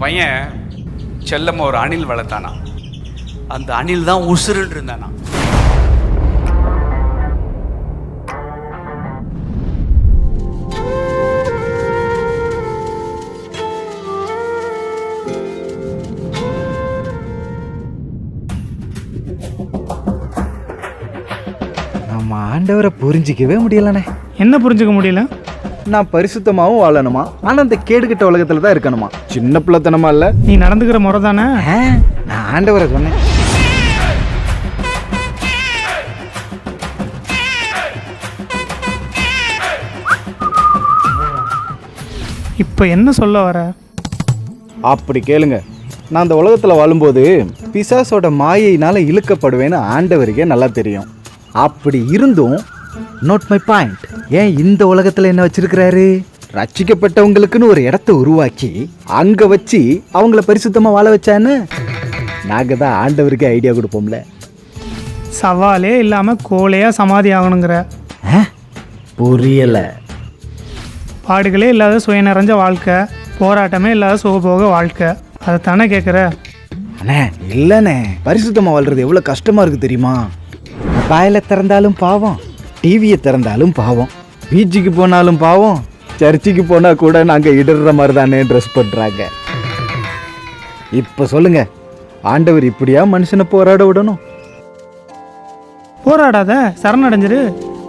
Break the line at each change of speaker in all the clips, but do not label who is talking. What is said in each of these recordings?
பையன் செல்லம்மா ஒரு அணில் வளர்த்தானா. அந்த அணில் தான் உசுருன்னு இருந்தானா.
நம்ம ஆண்டவரை புரிஞ்சிக்கவே முடியலண்ணே.
என்ன புரிஞ்சுக்க முடியல?
நான் பரிசுத்தமாகவும் வாழணுமா, ஆனால் அந்த கேடுகிட்ட உலகத்தில் தான் இருக்கணுமா? சின்ன பிள்ளைத்தனமா இல்லை.
நீ நடந்துக்கிற முறை தானே.
நான் ஆண்டவரை சொன்னேன்.
இப்போ என்ன சொல்ல வர?
அப்படி கேளுங்க. நான் அந்த உலகத்தில் வாழும்போது பிசாசோட மாயையினால் இழுக்கப்படுவேன்னு ஆண்டவருக்கே நல்லா தெரியும். அப்படி இருந்தும் நோட் மை பாயிண்ட், ஏன் இந்த உலகத்தில் என்ன வச்சிருக்கிறாரு? ரட்சிக்கப்பட்டவங்களுக்குன்னு ஒரு இடத்த உருவாக்கி அங்கே வச்சு அவங்கள பரிசுத்தமாக வாழ வச்சான்னு நாங்கள் தான் ஆண்டவருக்கு ஐடியா கொடுப்போம்ல.
சவாலே இல்லாமல் கோலையாக சமாதி ஆகணுங்கிற?
புரியலை.
பாடுகளே இல்லாத சுய நிறைஞ்ச வாழ்க்கை, போராட்டமே இல்லாத சுகபோக வாழ்க்கை, அதை தானே கேட்குற?
அண்ணே இல்லைண்ணே, பரிசுத்தமாக வாழ்றது எவ்வளோ கஷ்டமாக இருக்குது தெரியுமா? மொபைலை திறந்தாலும் பாவம், டிவியை திறந்தாலும் பாவம், பீச்சுக்கு போனாலும் பாவம், சர்ச்சுக்கு போனால் கூட நாங்கள் இடற மாதிரி தானே ட்ரெஸ் பண்ணுறாங்க. இப்போ சொல்லுங்க, ஆண்டவர் இப்படியா மனுஷனை போராட விடணும்?
போராடாத, சரணடைஞ்சிரு.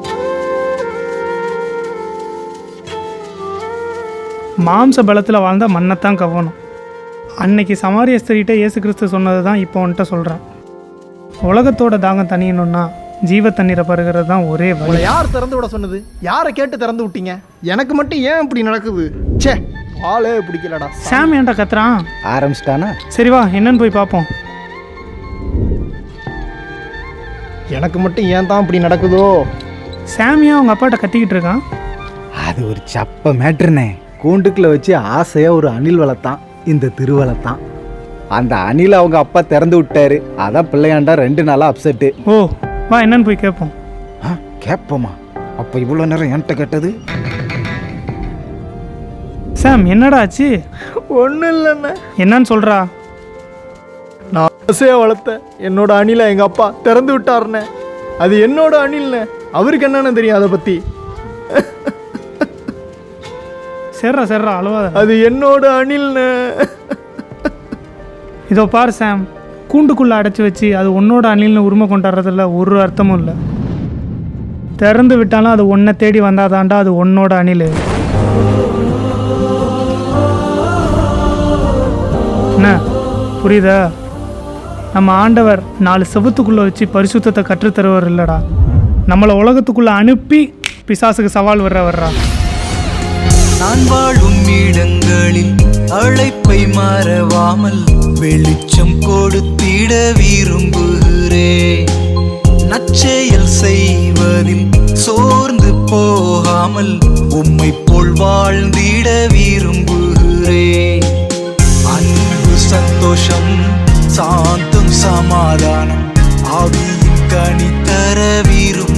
மாம்ச பலத்தில் வாழ்ந்தால் மண்ணைத்தான் கவனம். அன்னைக்கு சமாரிய ஸ்திரீட்ட இயேசு கிறிஸ்து சொன்னது தான் இப்போ வந்துட்ட சொல்கிறேன். உலகத்தோட தாகம் தணியணும்னா ஜீவ தண்ணீரை பருகிறது தான் ஒரே வழி.
யார் திறந்து விட சொன்னது? யாரை கேட்டு திறந்து விட்டீங்க? எனக்கு மட்டும் ஏன் இப்படி நடக்குது? சே, ஆளே பிடிக்கலடா.
சாம் ஏன்டா கத்துறான்?
ஆரம்பிச்சிட்டானா?
சரி வா, என்னன்னு போய் பார்ப்போம்.
எனக்கு மட்டும் ஏன் தான் இப்படி நடக்குதோ?
சாமியா அவங்க அப்பாட்ட கத்திக்கிட்டு இருக்கான்.
அது ஒரு சப்ப மேட்ருனே. கூண்டுக்குள்ள வச்சு ஆசையாக ஒரு அணில் வளர்த்தான், இந்த திருவளத்தான். அந்த அணில் அவங்க அப்பா திறந்து விட்டாரு. அதான் பிள்ளையாண்டா 2 நாளாக அப்செட்டு.
ஓ வா, என்னன்னு போய் கேட்போம்.
கேட்போமா? அப்போ இவ்வளோ நேரம் என்கிட்ட கேட்டது?
சாம் என்னடா ஆச்சு?
ஒன்றும் இல்லைண்ணே.
என்னன்னு சொல்கிறா?
நான் ஆசையாக வளர்த்தேன் என்னோட அணிலை எங்கள் அப்பா திறந்து விட்டாருண்ணே. அது என்னோட அணில்ண்ணே. அவருக்கு என்னன்னு தெரியும் அதை பற்றி?
சரிடா அழுவாத.
அது என்னோட அணில்ண்ணே.
இதோ பாரு சாம், கூண்டுக்குள்ளே அடைச்சி வச்சு அது உன்னோட அணில்னு உரிமை கொண்டாடுறதுல ஒரு அர்த்தமும் இல்லை. திறந்து விட்டாலும் அது ஒன்றை தேடி வந்தாதாண்டா அது உன்னோட அணில். என்ன புரியுதா? நம்ம ஆண்டவர் 4 செவத்துக்குள்ளே வச்சு பரிசுத்தத்தை கற்றுத்தருவர் இல்லைடா, நம்மளை உலகத்துக்குள்ளே அனுப்பி பிசாசுக்கு சவால் வர்றா.
நான் வாழும் இடங்களில் அழைப்பை மறவாமல் வெளிச்சம் கொடுத்திட விரும்புகிறேன். நற்செயல் செய்வதில் சோர்ந்து போகாமல் உம்மை போல் வாழ்ந்திட விரும்புகிறேன். அன்பு, சந்தோஷம், சாந்தம், சமாதானம் ஆவியின் கனி தர விரும்புகிறேன்.